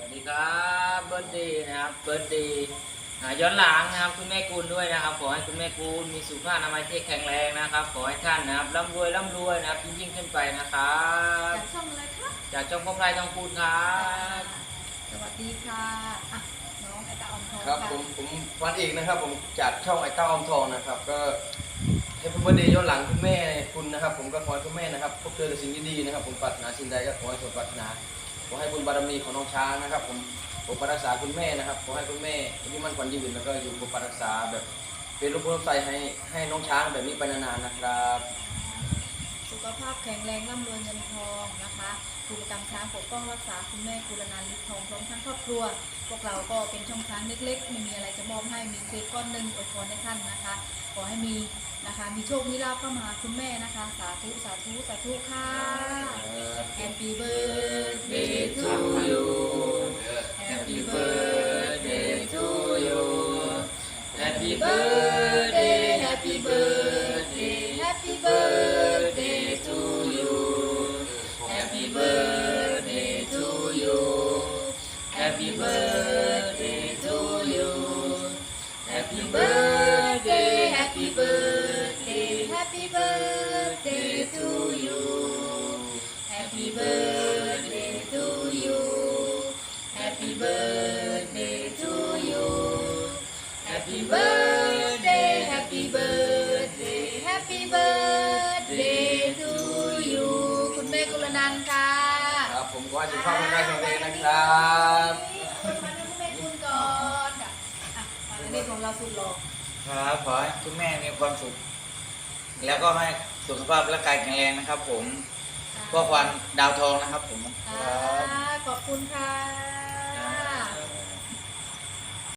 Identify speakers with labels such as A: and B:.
A: วัสดีครับเบิร์ดดีนะครับเบิร์ดดีย้อนหลังนะครับคุณแม่กูลด้วยนะครับขอให้คุณแม่กูลมีสุขภาพอนามัยที่แข็งแรงนะครับขอให้ท่านนะครับร่ำรวยนะครับยิ่งขึ้นไปนะครับ
B: จากช่องอะไรครับ
A: จากจ้องพ่อพลายทองพูนครับ
B: สวัสดีค่ะอ่ะน้องไอตาอมทอง
C: ครับ
B: ค่ะ
C: ผมวันอีกนะครับผมจากช่องไอเต้าอมทองนะครับก็ให้พระเดชย้อนหลังคุณแม่คุณนะครับผมก็ขอให้คุณแม่นะครับพบเจอแต่สิ่งดีๆนะครับผมปรารถนาสิ่งใดก็ขอให้สมปรารถนาขอให้บุญบารมีของน้องช้างนะครับผมปกปักรักษาคุณแม่นะครับขอให้คุณแม่อายุมั่นขวัญยืนแล้วก็อยู่ปกปักรักษาแบบเป็นรูปร่างใสให้น้องช้างแบบนี้ไปนานๆนะครับ
B: สุขภาพแข็งแรงร่ำรวยเงินทองนะคะครูประจำช้างปกป้องรักษาคุณแม่กุลนันท์ฤทธิ์ทองพร้อมทั้งครอบครัวพวกเราก็เป็นช่องช้างเล็กๆไม่มีอะไรจะมอบให้มีเค้กก้อนหนึ่งอวยพรให้ท่านนะคะขอให้มีนะคะมีโชคมีลาภเข้ามาคุณแม่นะคะสาธุสาธุสาธุค่ะ Happy birthday to you
A: Happy birthday to you Happy birthday Happy birthday
B: Happy birthday
A: to you Happy birthday to you Happy birthday to you Happy birthday Happy birthday
B: Happy birthday to you Happy birthday to you Happy birthday to you Happy birthday Happy birthday Happy birthday to you คุณแม่กุลนันท์ค่ะ
C: ครับผมก็ให้สุขภาพร่างกายแข็งแรงนะครับ
B: มาดูคุณแม่กุลก่อนค่ะอ่ะมาเรื่องของเราสุดหล่อ
D: ครับขอให้คุณแม่มีความสุข แล้วก็ให้สุขภาพร่างกายแข็งแรงนะครับผมพ่อควันดาวทองนะครับผม
B: ขอบคุณค่ะ